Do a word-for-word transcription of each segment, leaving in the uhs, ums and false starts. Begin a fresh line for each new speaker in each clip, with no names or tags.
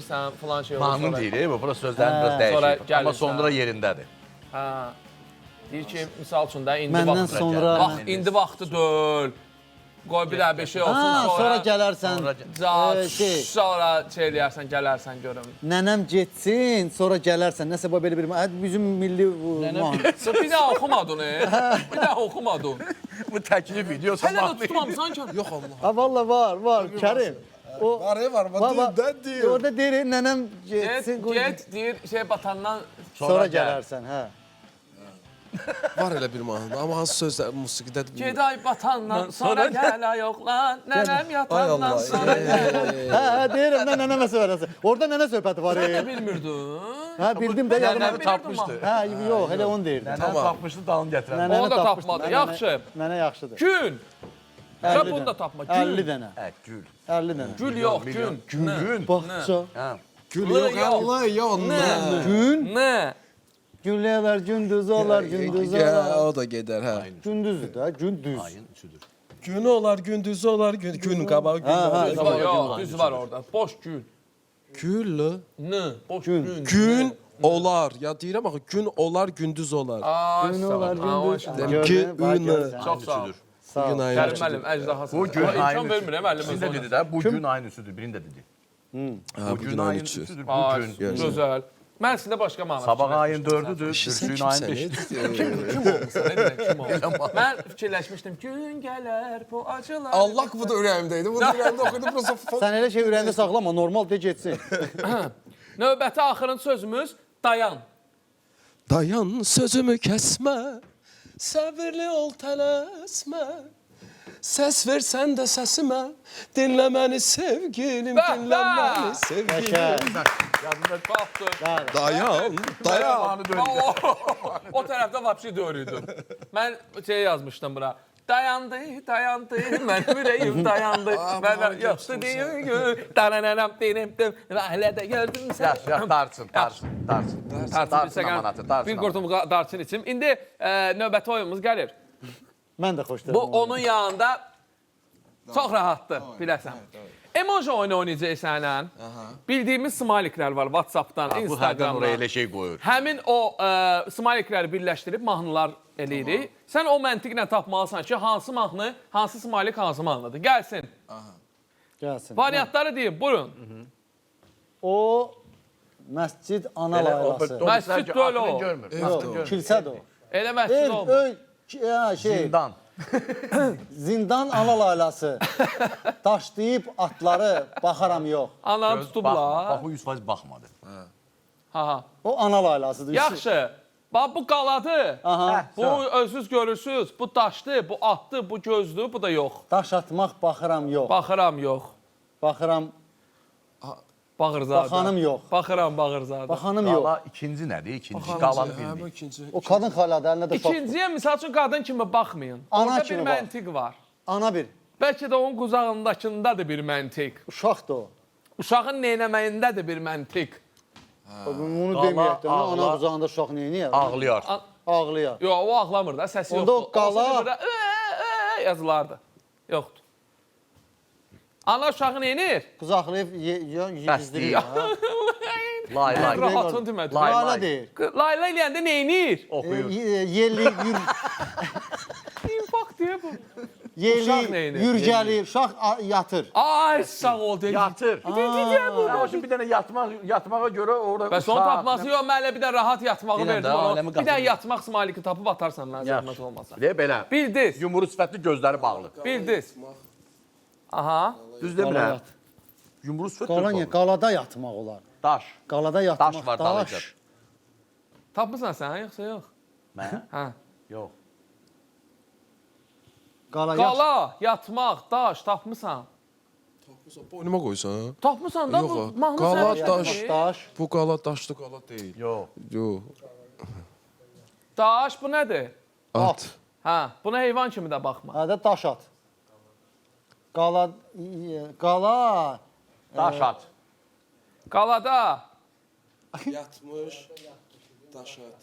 bilmirsən, falan şey olur.
Mahnı deyil, bu bura sözlərin biraz dəyişir. Amma sonra yerindədir.
Hə. Deyir ki, misal üçün də indi
Məndən
vaxtı.
sonra...
Bax, indi vaxtı deyil. Qoy bir bir şey olsun,
Ha,
sonra...
sonra gələrsən.
Sonra,
şey.
sonra şey eləyərsən, gələrsən görüm.
Nənəm getsin, sonra gələrsən. Nəsə belə bir... Bizim milli...
Bir daha oxumadın, e? Bir daha oxumadın.
Bu təklif videosu
Hələ də tutmamısan ki.
Yox Allah.
Ha, valla var, var. Kərim. O,
Var, var, var. Dildən deyir.
Orada deyir, nənəm
Get,
getsin.
get, deyir, şey batandan...
Sonra gələrsən, hə.
Var elə bir mahnı. Amma hansı sözlər musiqidə...
Geday batandan, sonra gələ yoxlan, nənəm yatandan, sonra gələ...
Hə, hə, deyirəm, nə nənəmə söyləsin. Orada nənə söhbəti var.
Sən də bilmirdin.
Hə, bildim də, yadıma
Nənəni
tapmışdı. Hə, yox, elə onu deyirdim.
Nənəni tapmışdı, dalını gətirən.
Onu da tapmadı, yaxşı.
Nənə yaxşıdır.
Gün. Və bunu da tapma,
əlli
gün.
dənə.
Hə, gül.
əlli dənə.
Gül yox, gün.
Gün.
Baxça.
Hə.
Gül yox, Allah, yox, nə?
Gün.
Nə?
Günləyələr, gündüz olar, gündüz
Ya,
olar.
o da gedər, hə.
Gündüzdür da, gündüz.
Ayın üçüdür.
Gün olar, gündüz olar, gün, gün qabağı, gün olar.
Düz var, yox, düz var orada. Boş gün.
Gül,
N, boş gün.
gün olar. Ya deyirəm axı, gün olar, gündüz olar.
Ay,
Gün
sağ
olar,
ol.
gündüz.
Dedim ki, ün.
Çox sağ ol.
Sağ ol.
Gün ayın
Kərim
üçüdür.
müəllim, əjdahası.
Bu gün ayın
İmkan
üçüdür.
vermirəm, müəllim.
İkisini də dedi də, bu gün ayın üçüdür, birini də dedi.
Ha,
Bu gün ayın üçüdür, bu
Ay,
gün.
gözəl. Mən sizdə başqa məna
Sabah ayın dördüdür,
Sən
Türkün ayın beşidir.
kimsən?
Kim olmuşsan, nə deyək, kim olmuş? Mən fikirləşmişdim, gün gələr, bu acılar...
Allah bu da ürəyimdəydi. Bu da ürəyimdə oxuydu. Prosta
Sən elə şey ürəyində saxlama, normal de getsin.
Növbəti axırıncı sözümüz dayan.
dayan sözümü kəsmə. Səbirli ol, tələsmə. Səs versən də səsimə. Dinlə məni sevgilim,
Bəh,
dinlə
bəh.
məni sevgilim.
Şəkər.
Baxdım.
Dayan, dayan.
O, o tərəfdə vapsi döyürdüm. Mən şey yazmışdım bura. Dayandı, dayandı, mənim ürəyim dayandı. Mən yoxdu deyim, darananam, deyim, hələ də gördüm sən.
Yaş, yaş, darçın, darçın, darçın.
Darçın bir
amanatı,
səqən,
darçın
bir qurtum darçın içim. İndi e, növbəti oyunumuz gəlir.
Mən də xoşlayıram.
Bu onun yanında çox rahatdır, biləsən. Emoji oyunu oynayacaq sənlə. Bildiyimiz smiliklər var WhatsApp-dan,
Bu hərdən
Instagram-dan.
oraya elə şey qoyur.
Həmin o ə, smilikləri birləşdirib mahnılar eləyirik. Sən o məntiqlə tapmalısan ki, hansı mahnı, hansı smilik hansı mahnıdır. Gəlsin.
Gəlsin.
Variantları deyim, buyurun.
O məscid ana laylası.
Məscid deyil o.
Yox, kilsədir o.
Elə məscid
El,
olmur.
öy, ya, şey,
Zindan.
zindan ana laylası. Daşlayıb atları, baxaram yox.
Ananı tutublar.
Bax, o yüz faiz baxmadı.
Ha, ha.
O ana laylasıdır.
Yaxşı. Bax, bu qaladı.
Aha.
Bu özünüz görürsünüz. Bu daşdı, bu atdı, bu gözdü, bu da yox.
Daş atmaq baxıram yox.
Baxıram yox.
Baxıram,
Bağırzadə.
baxanım yox.
Baxıram Bağırzadə.
Baxanım yox.
Qala ikinci nədir? İkinci qalanı bilmir.
ikinci.
O qadın xaladır, əlində də şok.
İkinciyə misal üçün qadın kimi baxmayın.
Ana
Orada bir
kimi bax.
məntiq var.
Ana bir,
Bəlkə də onun quzağındakındadır bir məntiq.
uşaqdır o.
Uşağın neynəməyindədir bir məntiq.
Bunu
Qala,
deməyək də,
ağla.
ana qucağında uşaq neyniyər?
Ağlayar.
Ağlayar.
Yox, o ağlamır da, səsi
Onda
yoxdur.
o qala-
Olsa bir burada, "Ə, ə" yazılardı. Yoxdur. Ana uşağı neynir?
Qucaqlayıb gizdirir.
Lay, lay.
Rahatın demədi.
Lay,
Layla
lay.
deyir.
Layla eləyəndə neynir?
Oxuyur.
Yerliyib, yür,
İnfak deyə bu. Uşaq
yerliyib,
neynir?
yürgəliyib, uşaq a- yatır.
Ay, sağ ol. deyir.
Yatır. Aa, şimdi bir dənə yatmaq, yatmağa görə orada
Bəs onu tapması yox, mən elə bir də rahat yatmağı
Bilən
verdim
də,
ona.
aləmi
Bir də
qazanır.
yatmaq smaliki tapıb atarsan mənə zəhmət olmasa.
Deyə belə.
Bildiz,
Yumru sifətli gözləri bağlı.
bildiz. Aha.
Düz demirəm. Yumru sifət
Qala niyə?
yox.
Qalada yatmaq olar.
Daş.
Qalada yatmaq,
Daş var
daş.
dalınca.
Tapmısan sən, yoxsa yox?
Mən?
Hə.
Yox.
Qala yat.
Qala, yatmaq, daş tapmısan.
Boynuma qoysan.
Tapmısan da
Yox,
bu
o.
mahnı
Qala,
sənə
daş.
gəlir.
Daş.
Bu qala daşlı qala deyil.
Yox.
Yox.
Daş bu nədir?
At.
Hə, buna heyvan kimi də baxma.
Hə də daş at. Qala, qala,
Daş at.
Qalada
Yatmış. Daş at.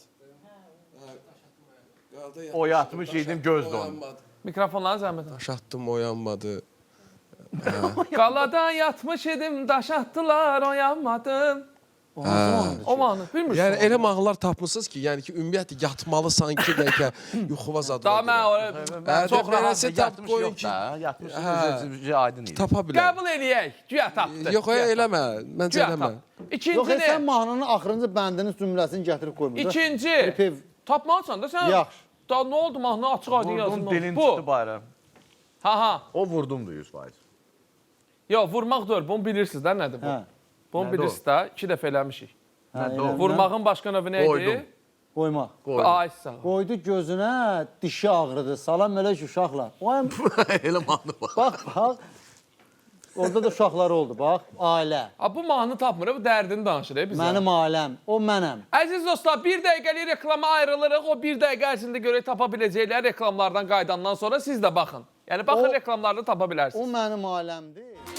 O yatmış yedim göz dondu.
mikrofonları zəhmət.
Daş atdım, oyanmadı.
Qalada yatmış idim, daş atdılar, oyanmadım.
O hansı mahnıdır
O
ki?
mahnı bilmirsən?
Yəni elə mahnılar tapmısınız ki, yəni ki, ümumiyyətlə yatmalısan ki, bəlkə yuxuva zadına
Daha mən
görə.
o-
Hə,
çox
də
rahat.
beləsə tap
Yatmış
qoyun
yox
ki,
da. Yatmış
Hə.
üzü aydın idi.
tapa bilər.
qəbul eləyək. Güya tapdı.
Yox,
Güya
eləmə, məncə
Güya
eləmə.
tapdı. İkinci
Yox, e,
nə?
sən mahnının axırıncı bəndinin cümləsini gətirib qoymur.
İkinci.
Repev.
Tapmalısan da sən.
Yaxşı.
Da nə oldu mahnı açıq aydın
Vurdum
yazılmalı.
dilin çıxdı
Bu.
bayram.
Ha ha.
O vurdumdu yüz faiz.
Yox, vurmaq deyil. Bunu bilirsiniz də nədir bu?
Hə.
Bunu
Nədir
bilirsiniz də. İki dəfə eləmişik.
Hə,
Nə,
elə-
Vurmağın başqa növü nə
Qoydum.
idi?
Qoymaq.
Qoydum.
Ay sağ ol.
Qoydu gözünə, dişi ağrıdı. Salam elə ki, uşaqlar. Vay,
Elə mahnı var.
bax, bax. Orada da uşaqları oldu, bax. Ailə.
Ha, bu mahnı tapmır, bu dərdini danışır e, bizə.
Mənim ailəm, o mənəm.
Əziz dostlar, bir dəqiqəlik reklama ayrılırıq. O bir dəqiqə ərzində görə tapa biləcəklər reklamlardan qaydandan sonra siz də baxın. Yəni baxın
O-
reklamlarda tapa
O
bilərsiniz.
mənim ailəmdir.